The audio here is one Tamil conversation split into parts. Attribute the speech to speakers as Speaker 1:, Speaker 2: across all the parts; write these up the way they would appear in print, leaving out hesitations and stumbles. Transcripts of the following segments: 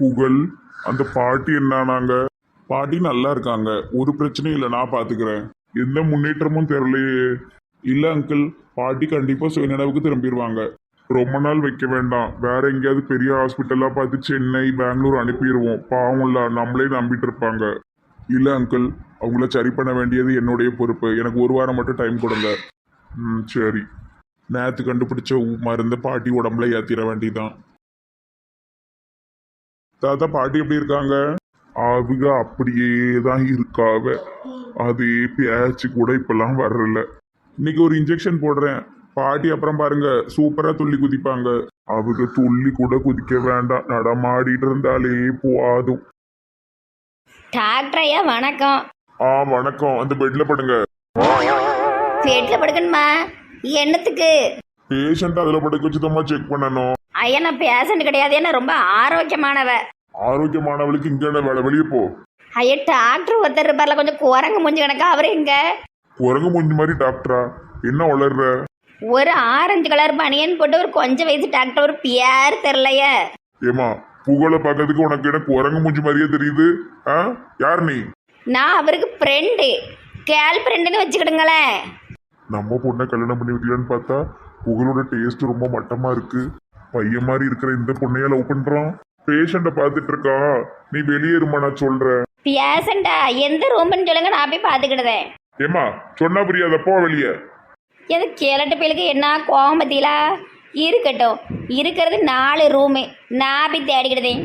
Speaker 1: புகழ், அந்த பாட்டி என்னானாங்க? பாட்டி நல்லா இருக்காங்க, ஒரு பிரச்சனையும் இல்லை, நான் பாத்துக்கிறேன். எந்த முன்னேற்றமும் தெரியலையே. இல்ல அங்கிள், பாட்டி கண்டிப்பா சுயநினைவுக்கு திரும்பிடுவாங்க. ரொம்ப நாள் வைக்க வேண்டாம், வேற எங்கேயாவது பெரிய ஹாஸ்பிட்டலா பார்த்து சென்னை பெங்களூர் அனுப்பிடுவோம். பாவம்ல, நம்மளே நம்பிட்டு இருப்பாங்க. இல்ல அங்கிள், அவங்கள சரி பண்ண வேண்டியது என்னுடைய பொறுப்பு. எனக்கு ஒரு வாரம் மட்டும் டைம் கொடுங்க. சரி. நேத்து கண்டுபிடிச்ச மருந்த பாட்டி உடம்புல ஏத்திட வேண்டியதான். தாத்தா, பாட்டி எப்படி இருக்காங்க? அவங்க அப்படியே தான் இருக்காவ. அதே பேச்சு கூட இப்பெல்லாம் வர்றல. இன்னைக்கு ஒரு இன்ஜெக்ஷன் போடுறேன், பாட்டி அப்புறம் பாருங்க சூப்பரா துள்ளி குதிப்பாங்க. அவங்க துள்ளி கூட குதிக்க வேண்டாம், நடமாடிட்டு இருந்தாலே போதும்.
Speaker 2: டாக்டர் ஐயா வணக்கம்.
Speaker 1: வணக்கம். அந்த பெட்ல படுங்க.
Speaker 2: பெட்ல படுக்கணுமா? என்னத்துக்கு?
Speaker 1: பேஷண்ட் அதுல படுக்க வச்சுதான் செக் பண்ணணும்.
Speaker 2: ஐயா நான் பேஷண்ட் கிடையாது, என்ன ரொம்ப ஆரோக்கியமானவ.
Speaker 1: ஆரோக்கியமானவளுக்கு இங்க என்ன வேலை? வெளியே போ.
Speaker 2: ஐயா டாக்டர் ஒருத்தர் இருப்பார்ல, கொஞ்சம் குரங்கு மூஞ்சி கணக்கா, அவரு எங்க?
Speaker 1: குரங்கு மூஞ்சி மாதிரி டாக்டரா? என்ன வளர்ற?
Speaker 2: ஒரு ஆரஞ்சு கலர் பனியன் போட்டு ஒரு கொஞ்சம் வயசு டாக்டர், ஒரு பேர் தெரியலையே.
Speaker 1: ஏமா, புகழை பார்க்கறதுக்கு உனக்கு என்ன குரங்கு மூஞ்சி மாதிரியே தெரியுது? யார் நீ?
Speaker 2: நான் அவருக்கு ஃப்ரெண்டு, கேர்ள் ஃப்ரெண்டுன்னு வச்சுக்கிடுங்களேன்.
Speaker 1: நம்ம பொண்ணை கல்யாணம் பண்ணி வைக்கலான்னு பார்த்தா புகழோட டேஸ்ட் ரொம்ப மட்டமா இருக்கு. பையன் மாதிரி இருக்கிற இந்த பொண்ணைய லவ் பண்றான். பேஷண்ட பார்த்துட்டு இருக்கா. நீ வெளியேறுமா, நான் சொல்றேன்.
Speaker 2: பேஷண்டா? எந்த ரூம்னு சொல்லுங்க, நான் போய் பார்த்துக்கிடுதேன்.
Speaker 1: ஏமா, சொன்னா புரியாதப்போ வெளியே.
Speaker 2: எது கேளட்டு பேருக்கு என்ன கோவம் பத்திலா? இருக்கட்டும், இருக்கிறது 4 ரூமு, நான் போய் தேடிக்கிடுதேன்.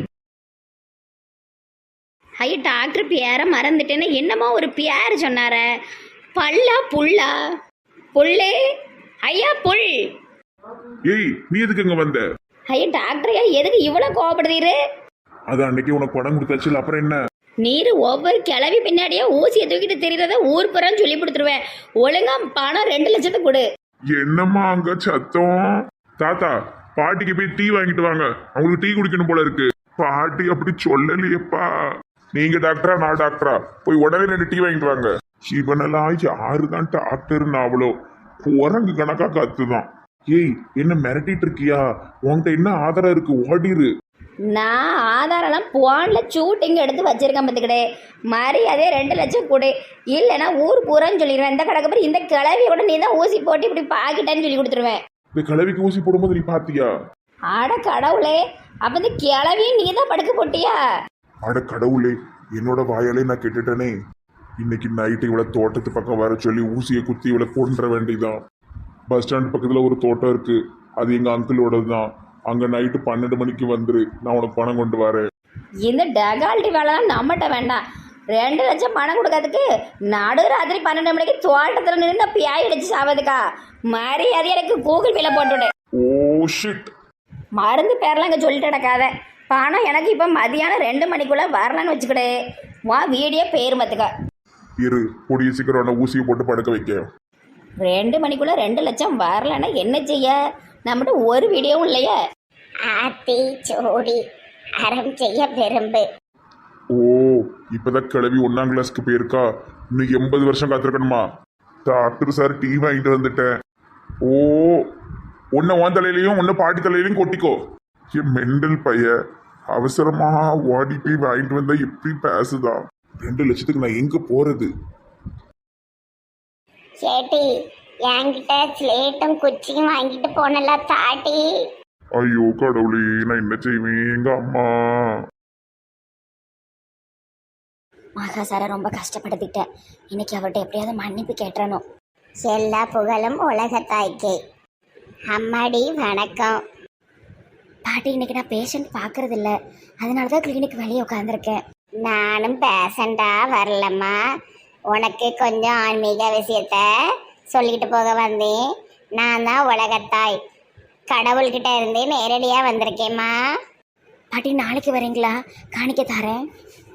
Speaker 2: ஐயோ டாக்டர் பேரை மறந்துட்டேன்னு என்னமோ ஒரு பேர் சொன்னார. பல்லா புல்லா? புல்லு ஐயா, புல்.
Speaker 1: ஏய், நீ எதுக்கு இங்க வந்த?
Speaker 2: ஐயா டாக்டர் ஐயா எதுக்கு இவ்வளவு கோவப்படுறீரு?
Speaker 1: அது அன்னைக்கு உனக்கு படம் கொடுத்தாச்சு, அப்புறம் என்ன?
Speaker 2: நீர் ஒவ்வொரு கிளவி பின்னாடியே ஊசியை தூக்கிட்டு தெரியுறத ஊர் புறம் சொல்லி கொடுத்துருவேன். ஒழுங்கா பணம் 2 லட்சத்துக்கு கொடு.
Speaker 1: என்னம்மா அங்க சத்தம்? தாத்தா, பாட்டிக்கு போய் டீ வாங்கிட்டு வாங்க, அவங்களுக்கு டீ குடிக்கணும் போல இருக்கு. பாட்டி அப்படி சொல்லலையப்பா. நீங்க டாக்டரா நான் டாக்டரா? போய் உடனே 2 டீ வாங்கிட்டு வாங்க. இவனெல்லாம் யாருதான் டாக்டர்னு அவ்வளோ குரங்கு கணக்கா கத்துதான். ஏய், என்ன மிரட்டிட்டு இருக்கியா? உன்கிட்ட என்ன ஆதாரம் இருக்கு? ஓடிரு.
Speaker 2: நான் ஆதாரம்லாம் போன்ல ஷூட்டிங் எடுத்து வச்சிருக்கேன் பார்த்துக்கிட்டே. மரியாதையே 2 லட்சம் கொடு, இல்லைன்னா ஊர் பூரான்னு சொல்லிடுவேன். இந்த கணக்கு பேர் இந்த கிளவியை கூட நீ தான் ஊசி போட்டு இப்படி பாக்கிட்டேன்னு சொல்லி கொடுத்துருவேன்.
Speaker 1: இந்த கிளவிக்கு ஊசி போடும்போது நீ பாத்தியா?
Speaker 2: அட கடவுளே, அப்ப இந்த கிளவியும் நீ தான் படுக்க போட்டியா?
Speaker 1: அட கடவுளே, என்னோட வாயாலே நான் கேட்டுட்டேனே. இன்னைக்கு நைட்டு இவளை தோட்டத்து பக்கம் வர சொல்லி ஊசியை குத்தி இவளை கொன்ற வேண்டியதான். பஸ் ஸ்டாண்ட் பக்கத்துல ஒரு தோட்டம் இருக்கு, அது எங்க அங்கிளோடது தான். அங்க நைட்டு 12 மணிக்கு வந்துரு, நான் உனக்கு பணம் கொண்டு வரேன்.
Speaker 2: இந்த டெகால்ட்டி வேலைலாம் நம்மகிட்ட வேண்டாம். 2 லட்சம் பணம் கொடுக்கறதுக்கு நடுராத்திரி 12 மணிக்கு தோட்டத்தில் நின்று பியாய் அடிச்சு சாவதுக்கா? மரியாதை எனக்கு கூகுள் பேல போட்டுவிடு.
Speaker 1: Oh shit.
Speaker 2: மருந்து பேரெல்லாம் இங்கே சொல்லிட்டு நடக்காத. பணம் எனக்கு இப்போ மதியானம் 2 மணிக்குள்ளே வரலான்னு வச்சுக்கிடு. வா வீடியோ பேர் மத்துக்கா.
Speaker 1: இரு, கூடிய சீக்கிரம் ஊசியை போட்டு படுக்க வைக்க.
Speaker 2: 2 மணிக்குள்ளே 2 லட்சம் வரலன்னா என்ன செய்ய? நம்மகிட்ட ஒரு வீடியோவும் இல்லையே. ஆத்தி சோடி அறம் செய்ய விரும்பு.
Speaker 1: ஓ, இப்பதான் கிளவி 1ஆம் கிளாஸ்க்கு போயிருக்கா. இன்னும் 80 வருஷம் காத்திருக்கணுமா? டாக்டர் சார், டீ வாங்கிட்டு வந்துட்டேன். ஓ, ஒன்னு உன் தலையிலையும் ஒன்னு பாட்டி தலையிலையும் கொட்டிக்கோ. என் மெண்டல் பைய அவசரமா ஓடி போய் வாங்கிட்டு வந்தா எப்படி பேசுதான்? 2 லட்சத்துக்கு நான் எங்க போறது?
Speaker 3: சேட்டி, என்கிட்ட ஸ்லேட்டும் குச்சியும் வாங்கிட்டு போனல தாட்டி.
Speaker 1: ஐயோ கடவுளே, நான் என்ன செய்வேன்? எங்க அம்மா.
Speaker 2: மகா சாரை ரொம்ப கஷ்டப்படுத்திட்டேன். இன்னைக்கு அவர்கிட்ட எப்படியாவது மன்னிப்பு கேட்டுறணும்.
Speaker 3: எல்லா புகழும் உலகத்தாய்க்கே. அம்மாடி வணக்கம்.
Speaker 2: பாட்டி, இன்னைக்கு நான் பேஷண்ட் பார்க்கறது இல்லை, அதனால தான் கிளினிக் வெளியே உட்காந்துருக்கேன்.
Speaker 3: நானும் பேசண்டா வரலம்மா. உனக்கு கொஞ்சம் ஆன்மீக விஷயத்த சொல்லிக்கிட்டு போக வந்தேன். நான் தான் உலகத்தாய், கடவுள்கிட்ட இருந்து நேரடியாக வந்திருக்கேம்மா.
Speaker 2: பாட்டி, நாளைக்கு வரீங்களா? காணிக்க தரேன்.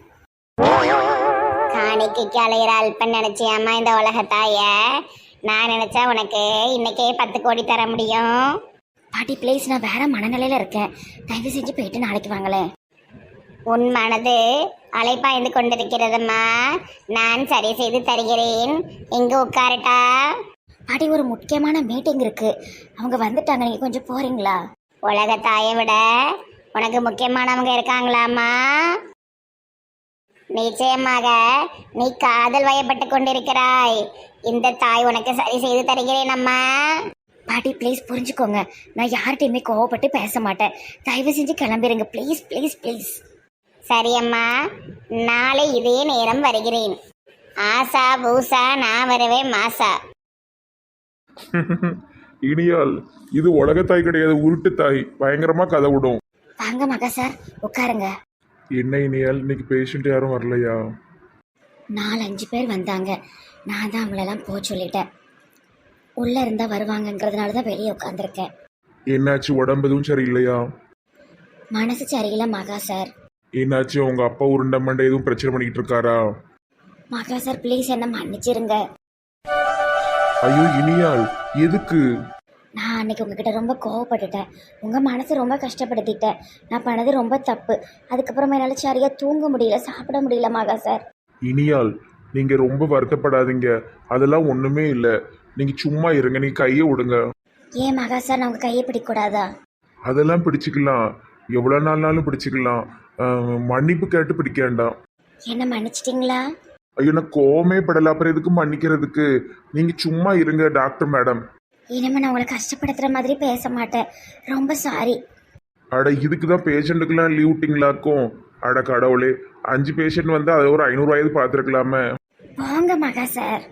Speaker 3: காணிக்கைக்கு அலையிற அல்பன் நினச்சியாம்மா இந்த உலகத்தாய? நான் நினச்சா உனக்கு இன்னைக்கே 10 கோடி தர முடியும்.
Speaker 2: பாட்டி ப்ளீஸ், நான் வேற மனநிலையில் இருக்கேன், தயவு செஞ்சு போயிட்டு நாளைக்கு வாங்களேன்.
Speaker 3: உன் மனது அலைப்பாய்ந்து கொண்டிருக்கிறதுமா, நான் சரி செய்து தருகிறேன். இங்கு உட்காரட்டா?
Speaker 2: பாட்டி, ஒரு முக்கியமான மீட்டிங் இருக்கு, அவங்க வந்துட்டாங்க, நீங்க கொஞ்சம் போறீங்களா?
Speaker 3: உலகத்தாயை விட உனக்கு முக்கியமானவங்க இருக்காங்களாம்மா? நிச்சயமாக நீ காதல் வயப்பட்டு கொண்டிருக்கிறாய். இந்த தாய் உனக்கு சரி செய்து தருகிறேன் அம்மா.
Speaker 2: பாட்டி ப்ளீஸ் புரிஞ்சுக்கோங்க, நான் யார்கிட்டையுமே கோவப்பட்டு பேச மாட்டேன். தயவு செஞ்சு கிளம்பிடுங்க ப்ளீஸ் ப்ளீஸ் ப்ளீஸ்.
Speaker 3: சரி அம்மா, நாளை இதே நேரம் வருகிறேன். ஆசா பூசா நான் வருவேன் மாசா.
Speaker 1: இனியால் இது உலகத்தாய் கிடையாது, உருட்டு தாய். பயங்கரமா கதை விடும்.
Speaker 2: வாங்க மகா சார், உட்காருங்க.
Speaker 1: என்ன இனியால், இன்னைக்கு பேஷண்ட் யாரும் வரலையா?
Speaker 2: 4-5 பேர் வந்தாங்க. நான் தான் அவங்களெல்லாம் போக சொல்லிட்டேன். உள்ளே இருந்தால் வருவாங்கங்கிறதுனால தான் வெளியே உட்காந்துருக்கேன்.
Speaker 1: என்னாச்சு, உடம்பு எதுவும் சரியில்லையா?
Speaker 2: மனசு சரியில்லை மகா சார்.
Speaker 1: என்னாச்சு, உங்க அப்பா உருண்டை மண்டை எதுவும் பிரச்சனை பண்ணிக்கிட்டு இருக்காரா?
Speaker 2: மகா சார் ப்ளீஸ் என்ன மன்னிச்சிருங்க.
Speaker 1: ஐயோ இனியால், எதுக்கு?
Speaker 2: நான் அன்னைக்கு உங்ககிட்ட ரொம்ப கோவப்பட்டுட்டேன். உங்கள் மனசை ரொம்ப கஷ்டப்படுத்திட்டேன். நான் பண்ணது ரொம்ப தப்பு. அதுக்கப்புறமா என்னால் சரியாக தூங்க முடியல, சாப்பிட முடியல மகா சார்.
Speaker 1: இனியால், நீங்க ரொம்ப வருத்தப்படாதீங்க. அதெல்லாம் ஒண்ணுமே இல்லை. நீங்க சும்மா இருங்க, நீங்க கையை விடுங்க.
Speaker 2: ஏன் மகா சார், நான் உங்கள் கையை பிடிக்கக்கூடாதா?
Speaker 1: அதெல்லாம் பிடிச்சிக்கலாம், எவ்வளோ நாள்னாலும் பிடிச்சிக்கலாம். மன்னிப்பு கேட்டு பிடிக்க வேண்டாம்.
Speaker 2: என்ன மன்னிச்சிட்டிங்களா?
Speaker 1: ஐயோ நான் கோவமே படல, அப்புறம் எதுக்கு மன்னிக்கிறதுக்கு? நீங்க சும்மா இருங்க டாக்டர் மேடம்.
Speaker 2: இனிமேல் நான் உங்களை கஷ்டப்படுத்துகிற மாதிரி பேச மாட்டேன். ரொம்ப சாரி.
Speaker 1: அட இதுக்கு தான் பேஷண்ட்டுக்கெல்லாம் லீவ் விட்டிங்களாக்கும். அட கடவுளே, 5 பேஷண்ட் வந்து அதை ஒரு 500 ரூபாய்க்கு பார்த்துருக்கலாமே.
Speaker 2: போங்க மகா சார்.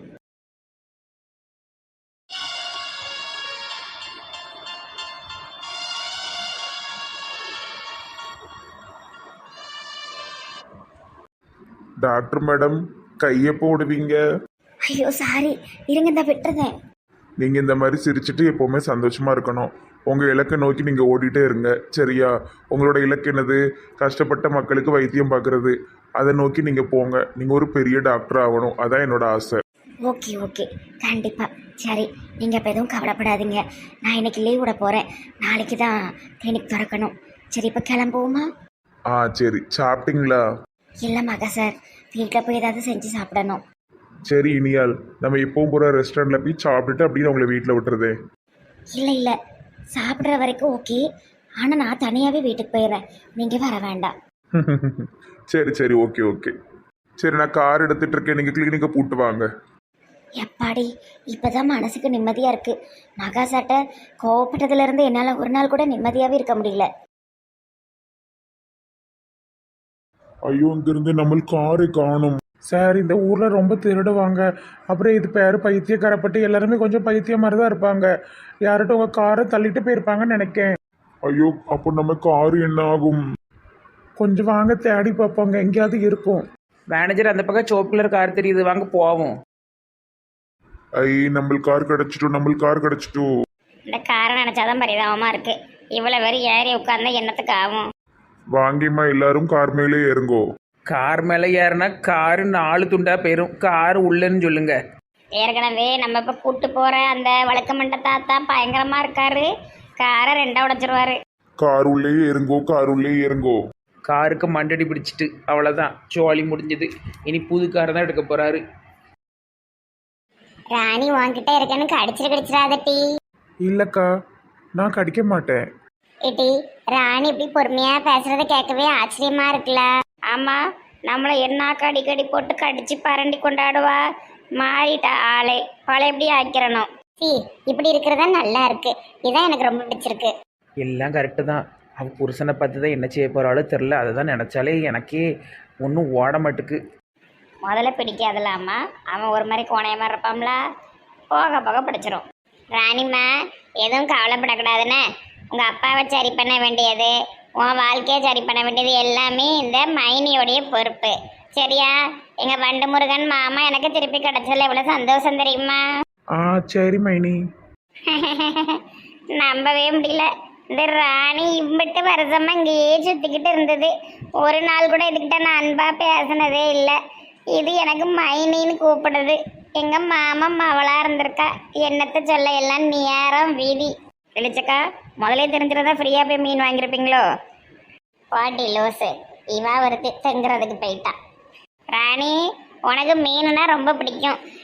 Speaker 1: டாக்டர் மேடம், கையை போடுவீங்க?
Speaker 2: ஐயோ சாரி, இருங்க இந்த விட்டுறதேன்.
Speaker 1: நீங்க இந்த மாதிரி சிரிச்சிட்டு எப்பவுமே சந்தோஷமா இருக்கணும். உங்க இலக்கை நோக்கி நீங்க ஓடிட்டே இருங்க, சரியா? உங்களோட இலக்கு என்னது? கஷ்டப்பட்ட மக்களுக்கு வைத்தியம் பார்க்கறது. அதை நோக்கி நீங்க போங்க. நீங்க ஒரு பெரிய டாக்டர் ஆகணும், அதான் என்னோட ஆசை.
Speaker 2: ஓகே ஓகே, கண்டிப்பாக. சரி, நீங்கள் இப்போ எதுவும் கவலைப்படாதீங்க. நான் இன்னைக்கு லீவ் விட போகிறேன். நாளைக்கு தான் கிளினிக் திறக்கணும். சரி, இப்போ கிளம்புவோமா?
Speaker 1: சரி, சாப்பிட்டீங்களா?
Speaker 2: இல்லை மகா சார், வீட்டில் போய் ஏதாவது செஞ்சு சாப்பிடணும்.
Speaker 1: சரி இனியால், நம்ம எப்பவும் போகிற ரெஸ்டாரண்ட்டில் போய் சாப்பிட்டுட்டு அப்படின்னு உங்களை வீட்டில் விட்டுறதே.
Speaker 2: இல்லை இல்லை, சாப்பிட்ற வரைக்கும் ஓகே. ஆனால் நான் தனியாகவே வீட்டுக்கு போயிடுறேன். நீங்கள் வர வேண்டாம்.
Speaker 1: சரி சரி, ஓகே ஓகே. சரி, நான் கார் எடுத்துட்டு இருக்கேன், நீங்கள் கிளினிக்கை கூட்டு வாங்க.
Speaker 2: எப்பாடி, இப்போ தான் மனசுக்கு நிம்மதியாக இருக்குது. மகா சார்ட்ட கோவப்பட்டதுலேருந்து என்னால் ஒரு நாள் கூட நிம்மதியாகவே இருக்க முடியல.
Speaker 1: ஐயோ, இங்கிருந்து நம்ம காரை காணும்.
Speaker 4: சார், இந்த ஊரில் ரொம்ப திருடுவாங்க. அப்புறம் இது பேர் பைத்தியக்காரப்பட்டு எல்லாருமே கொஞ்சம் பைத்தியம் மாதிரி தான் இருப்பாங்க. யார்கிட்ட உங்கள் காரை தள்ளிட்டு போயிருப்பாங்கன்னு நினைக்கேன்.
Speaker 1: ஐயோ, அப்போ நம்ம கார் என்ன ஆகும்?
Speaker 4: கொஞ்சம் வாங்க, தேடி பார்ப்போங்க, எங்கேயாவது இருக்கும்.
Speaker 5: மேனேஜர், அந்த பக்கம் சோப்பு கலர் கார் தெரியுது, வாங்க போவோம்.
Speaker 1: நம்ம கார் கிடச்சிட்டோம், நம்ம கார் கிடச்சிட்டோம்.
Speaker 3: இந்த காரை நினைச்சாதான் பரிதாபமா இருக்கு. இவ்வளவு பேர் ஏறி உட்கார்ந்தா என்னத்துக்கு ஆகும்?
Speaker 1: வாங்கிமா, எல்லாரும் கார் மேலே ஏறுங்கோ.
Speaker 5: கார் மேலே ஏறினா காரு 4 துண்டா போயிரும். கார் உள்ளன்னு சொல்லுங்க.
Speaker 3: ஏற்கனவே நம்ம இப்ப கூட்டு போற அந்த வழக்கமண்ட தாத்தா பயங்கரமா இருக்காரு. காரை 2 உடைச்சிருவாரு.
Speaker 1: கார் உள்ளே ஏறுங்கோ, கார் உள்ளே ஏறுங்கோ.
Speaker 5: காருக்கு மண்டடி பிடிச்சிட்டு அவ்வளோதான், ஜோலி முடிஞ்சது. இனி புது காரை தான் எடுக்க போறாரு.
Speaker 3: ராணி உன்கிட்ட இருக்கேன்னு கடிச்சிடாதட்டி.
Speaker 4: இல்லைக்கா, நான் கடிக்க மாட்டேன்.
Speaker 3: ஏட்டி, ராணி இப்படி பொறுமையா பேசுறத கேட்கவே ஆச்சரியமா இருக்குல்ல? ஆமா, நம்மள என்ன கடி போட்டு கடிச்சு பரண்டி கொண்டாடுவா. மாறிட்டா ஆளே, பழையபடி ஆக்கிறணும். இப்படி இருக்கிறதா நல்லா இருக்கு. இதான் எனக்கு ரொம்ப பிடிச்சிருக்கு.
Speaker 5: எல்லாம் கரெக்டு தான். அவள் புருஷனை பார்த்து தான் என்ன செய்ய போகிறாளோ தெரில. அதை தான் நினச்சாலே எனக்கே ஒன்றும் ஓட மாட்டுக்கு.
Speaker 3: முதல்ல பிடிக்காதுலாமா, அவன் ஒரு மாதிரி கோணையமா இருப்பான்ல, போக போக பிடிச்சிரும். ராணிம்மா, எதுவும் கவலைப்படக்கூடாதுன்னு. உங்க அப்பாவை சரி பண்ண வேண்டியது, உன் வாழ்க்கையை சரி பண்ண வேண்டியது எல்லாமே இந்த மைனியோடைய பொறுப்பு, சரியா? எங்க வண்டு முருகன் மாமா எனக்கு திருப்பி கிடைச்சதுல எவ்வளவு சந்தோஷம் தெரியுமா?
Speaker 4: சரி மைனி.
Speaker 3: நம்பவே முடியல. இந்த ராணி இம்பிட்டு வருஷமா இங்கேயே சுத்திக்கிட்டு இருந்தது. ஒரு நாள் கூட இதுகிட்ட நான் அன்பா பேசினதே இல்லை. இது எனக்கு மைனின்னு கூப்பிடுது. எங்க மாமா மவளா இருந்திருக்கா. என்னத்தை சொல்ல, எல்லாம் நேரம் வீதி. வெளிச்சக்கா, முதலே தெரிஞ்சிருந்தா ஃப்ரீயா போய் மீன் வாங்கியிருப்பீங்களோ? பாட்டி லோசு, இவா ஒருத்தி தங்குறதுக்கு போயிட்டா. ராணி, உனக்கு மீனுனா ரொம்ப பிடிக்கும்.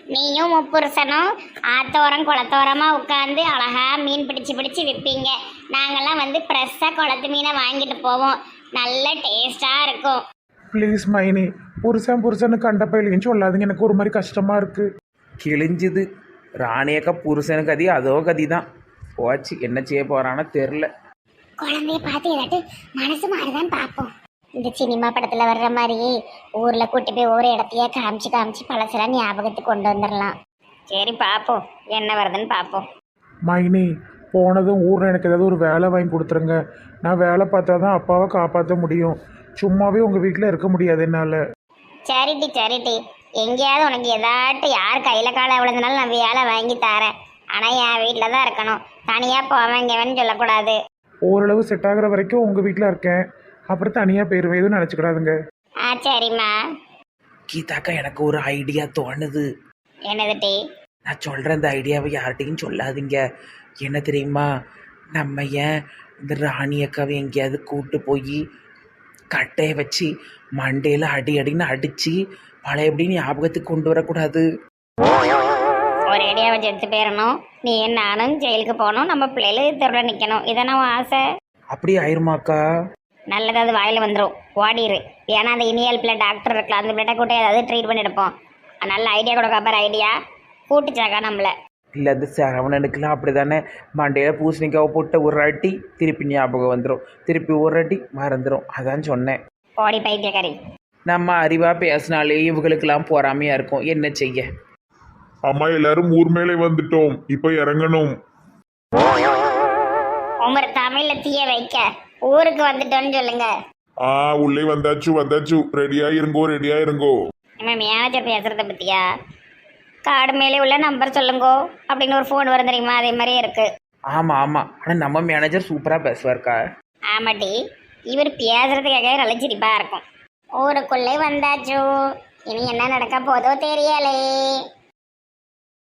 Speaker 3: நீயும் முப்புருஷனும் ஆத்தோரம் குளத்தோரமா உட்காந்து அழகா மீன் பிடிச்சு பிடிச்சு விற்பீங்க. நாங்கெல்லாம் வந்து ஃப்ரெஷ்ஷாக குளத்து மீனை வாங்கிட்டு போவோம். நல்ல டேஸ்டா இருக்கும்.
Speaker 4: ப்ளீஸ் மைனி, புருஷன்னு கண்ட பயிலையும் சொல்லாதீங்க, எனக்கு ஒரு மாதிரி கஷ்டமாக இருக்குது.
Speaker 5: கிழிஞ்சுது. ராணியக்கா புருஷனுக்கு கதி அதோ கதி தான் போச்சு. என்ன செய்ய போகிறான்னு தெரில.
Speaker 3: குழந்தைய பார்த்து ஏதாட்டு மனசு மாறிதான் பார்ப்போம். இந்த சினிமா படத்துல வர்ற மாதிரி ஊர்ல கூட்டி போய் ஒவ்வொரு இடத்தையே காமிச்சு காமிச்சு பழசெல்லாம் ஞாபகத்துக்கு கொண்டு வந்துடலாம். சரி பார்ப்போம், என்ன வருதுன்னு பார்ப்போம்.
Speaker 4: மைனி, போனதும் ஊரில் எனக்கு ஏதாவது ஒரு வேலை வாங்கி கொடுத்துருங்க. நான் வேலை பார்த்தா தான் அப்பாவை காப்பாற்ற முடியும். சும்மாவே உங்கள் வீட்டில் இருக்க முடியாது என்னால்.
Speaker 3: சரிட்டி, எங்கேயாவது உனக்கு ஏதாட்டு யார் கையில காலை விழுந்தனாலும் நான் வேலை வாங்கி தரேன். ஆனா என் வீட்டில் தான் இருக்கணும். தனியா போவேங்கன்னு சொல்லக்கூடாது.
Speaker 4: ஓரளவு செட் ஆகுற வரைக்கும் உங்கள் வீட்டில் இருக்கேன், அப்புறம் தனியாக போயிடுவேன். எதுவும் நினச்சிக்கிடாதுங்க.
Speaker 3: சரிம்மா.
Speaker 5: கீதாக்கா எனக்கு ஒரு ஐடியா தோணுது.
Speaker 3: என்னது டி?
Speaker 5: நான் சொல்கிறேன், இந்த ஐடியாவை யார்கிட்டையும் சொல்லாதீங்க. என்ன தெரியுமா, நம்ம ஏன் இந்த ராணி அக்காவை எங்கேயாவது கூட்டு போய் கட்டையை வச்சு மண்டையில் அடின்னு அடித்து பழையபடின்னு ஞாபகத்துக்கு கொண்டு வரக்கூடாது?
Speaker 3: ஒரு ஐடியா வச்சு எடுத்து போயிடணும். நீ நானும் ஜெயிலுக்கு போகணும், நம்ம பிள்ளைகள் தெருவில் நிற்கணும். இதான உன் ஆசை?
Speaker 5: அப்படி ஆயிருமாக்கா?
Speaker 3: நல்லதாவது வாயில் வந்துடும், ஓடிடு. ஏன்னா அந்த இனியல் பிள்ளை டாக்டர் இருக்கலாம், அந்த பிள்ளை கூட்ட ஏதாவது ட்ரீட் பண்ணி எடுப்போம். நல்ல ஐடியா கொடுக்க பாரு. ஐடியா கூட்டுச்சாக்கா நம்மளை.
Speaker 5: இல்லை, அந்த சரவணனுக்குலாம் அப்படி தானே, மண்டையில் பூசணிக்காவை போட்ட ஒரு அடி திருப்பி ஞாபகம் வந்துடும், திருப்பி ஒரு அடி மறந்துடும். அதான் சொன்னேன்.
Speaker 3: ஓடி பைத்தியக்காரி.
Speaker 5: நம்ம அறிவாக பேசினாலே இவங்களுக்கெல்லாம் பொறாமையாக இருக்கும். என்ன செய்ய?
Speaker 1: அம்மா எல்லாரும் ஊர் மேலே வந்துட்டோம், இப்ப இறங்கணும்.
Speaker 3: உமர் தமிழ்ல தீய வைக்க ஊருக்கு வந்துட்டோன்னு சொல்லுங்க.
Speaker 1: உள்ளே வந்தாச்சு. ரெடியா இருங்கோ.
Speaker 3: நம்ம மேனேஜர் பேசுறத பத்தியா? கார்டு மேலே உள்ள நம்பர் சொல்லுங்கோ அப்படின்னு ஒரு ஃபோன் வரும் தெரியுமா, அதே மாதிரியே இருக்கு.
Speaker 5: ஆமாம். ஆனால் நம்ம மேனேஜர் சூப்பராக பேசுவார்க்கா.
Speaker 3: ஆமாட்டி, இவர் பேசுறதுக்காகவே நல்ல சிரிப்பா இருக்கும். ஊருக்குள்ளே வந்தாச்சு. இனி என்ன நடக்க போதோ தெரியலே.